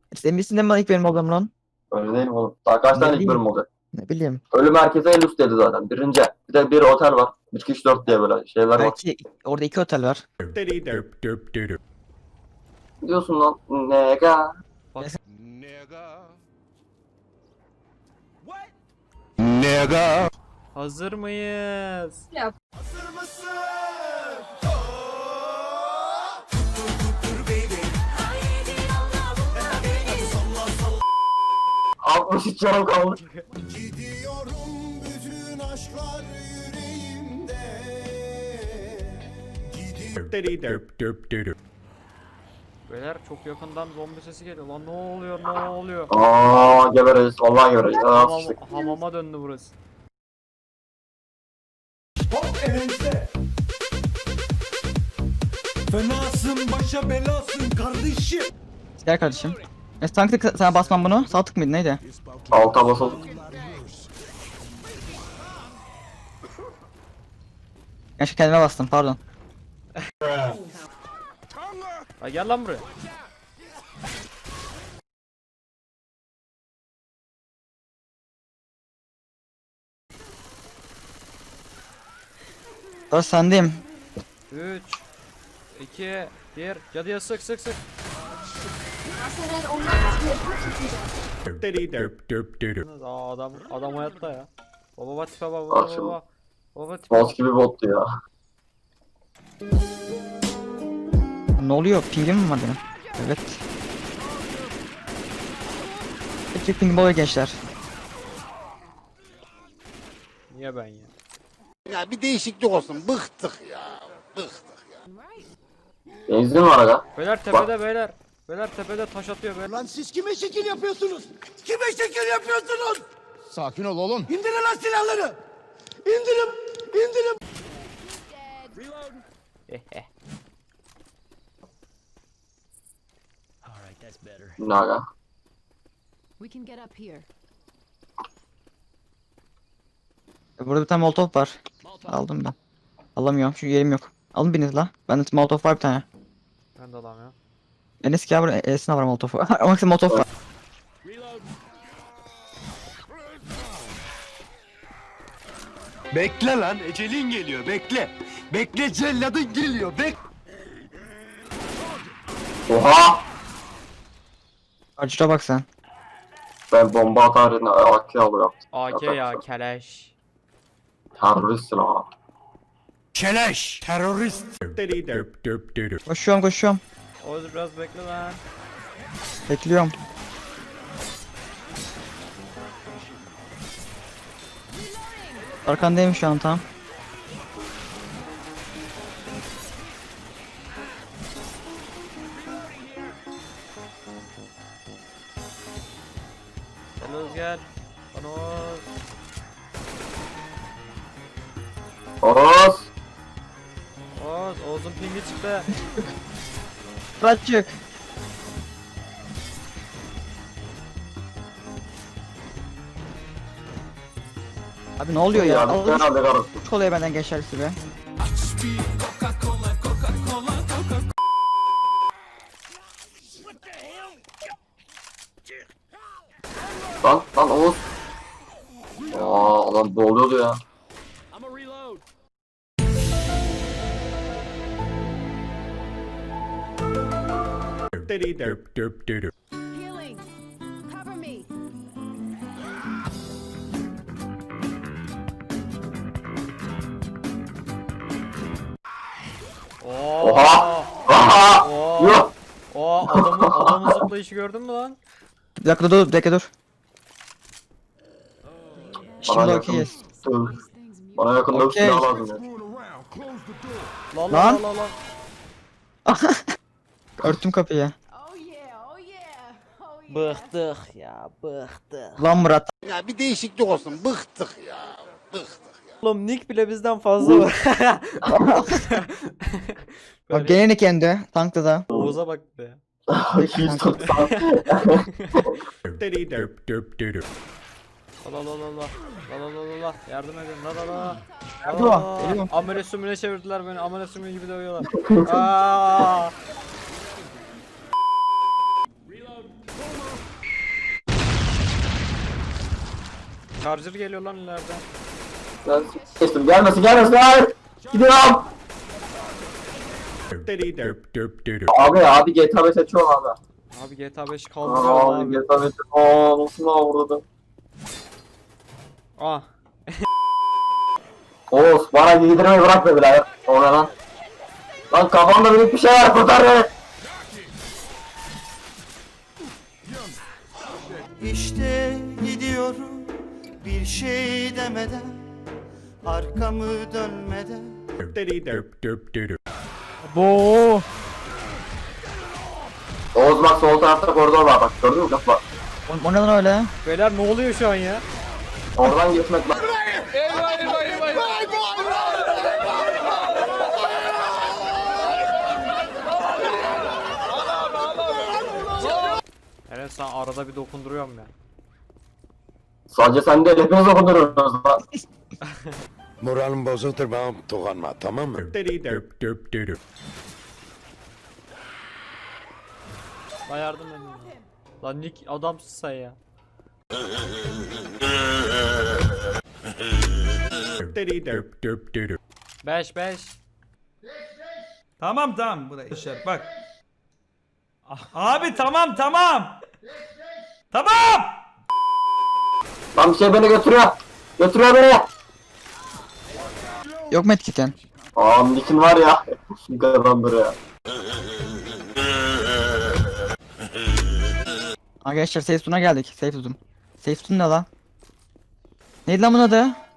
Sen misin de ilk benim oğlum lan? Öyle değil mi oğlum? Daha kaç Ne tane ilk bileyim. bölüm olacak? Ne bileyim. Ölüm herkese en üstteydi zaten. Birinci. Bir de bir otel var. 3 kişi 4 diye böyle şeyler var. Belki orada 2 otel var. Ne diyorsun lan? Nega. Hazır mıyız? Hazır mısın? 63 canım kaldı. Gidiyorum bütün aşklar yüreğimde. Beyler çok yakından zombi sesi geliyor lan, ne oluyor, ne oluyor? Gebereceğiz. Vallahi gebereceğiz. Sıçtık. Hamama döndü burası. Hop elimde. Fenasın başa belasın kardeşim. Gel kardeşim. Tanktık sana basmam bunu. Sağ tık mıydı neydi? Alta basıldık. Gerçi kendime bastım pardon. Ha gel lan buraya. Sonra sendeyim. 3 2 1 cadıya sık sık sık. Adam hayatta ya. Baba tipe baba Bak şimdi. baba. Baba tipe. Boss gibi bottu ya. Ne oluyor? Pingim mi var benim? Evet. Peki pingim oluyor gençler. Niye ben ya? Ya bir değişiklik olsun. Bıktık ya. Bıktık. Benzin var aga. Beyler tepede beyler. Beyler tepede taş atıyor beyler. Lan siz kime şekil yapıyorsunuz? Kime şekil yapıyorsunuz? Sakin ol oğlum. İndirin lan silahları. İndirin. İndirin. Ne aga? We can get up here. Burada bir tane molotof var. Aldım ben. Alamıyorum çünkü yerim yok. Alın biriniz la. Bende molotof var bir tane. Ben de alamıyorum. Enes gel buraya. Enes'in var molotofu. Ama sen molotof var. Bekle lan, ecelin geliyor, bekle. Bekle, celladın geliyor, Oha! Acıra bak sen. Ben bomba atar yerine AK alıyorum. AK ya keleş. Teröristsin ha. Keleş, terörist. Koşuyorum koşuyorum. Oğuz biraz bekle lan. Bekliyorum. Arkandayım şu an tam. Gel Oğuz gel. Lan Oğuz. Oros! Oğuz'un pingi çıktı. Bırakçık. Abi ne oluyor ya? Ya ben aldık arası. Çok oluyor benden gençler be. Lan Oğuz. Adam boğuluyordu ya. Healing. Cover me. Oha! Aha! Oo. Yok! Adamın zıplayışı gördün mü lan? Bir dakika dur, bir dakika dur. Şimdi Bana okeyiz. Bana yakında bir Okey. silah lazım ya. Lan Lan. lan. Örttüm kapıyı. Oh yeah, oh yeah, oh yeah. Bıktık ya bıktık. Lan Murat. Ya bir değişiklik olsun. Bıktık ya. Bıktık. Oğlum Nick bile bizden fazla var. Bak gene ne kendi. Tankta da. Oğuz'a bak be. 290. La yardım edin la. Geliyorum. Amele sümüne çevirdiler beni, amele sümüğü gibi dövüyorlar. Aa! Charger geliyor lan ileriden. Ben geçtim. Gelmesin hayır. Gidiyorum. Abi GTA 5 açıyorum abi. Abi GTA 5 kaldırıyorum Abi abi. GTA 5 ooo nasıl avurdu. Ah. Oğuz bana giydirmeyi bırakma birader. O ne lan? Lan kafamda büyük bir şey var kurtar beni. İşte gidiyorum bir şey demeden, arkamı dönmeden. Bo. Oğuz bak sol tarafta koridor var bak gördün mü kafa? O ne lan öyle? Beyler ne oluyor şu an ya? Oradan geçmek lan. Evet sen arada bir dokunduruyorum ya. Sadece sen değil hepiniz okunuyoruz lan. Moralim bozuktur bana dokunma tamam mı? Lan yardım edin. Lan Nick adamsın sen ya. Beş. Tamam buraya düşer bak. Abi tamam. Tamam. Lan bir şey beni götürüyor. Götürüyor beni. Yok mu etkiken? Nick'in var ya. Şu kadar ya. Arkadaşlar safe zone'a geldik. Safe zone. Safe zone ne lan? Neydi lan bunun adı?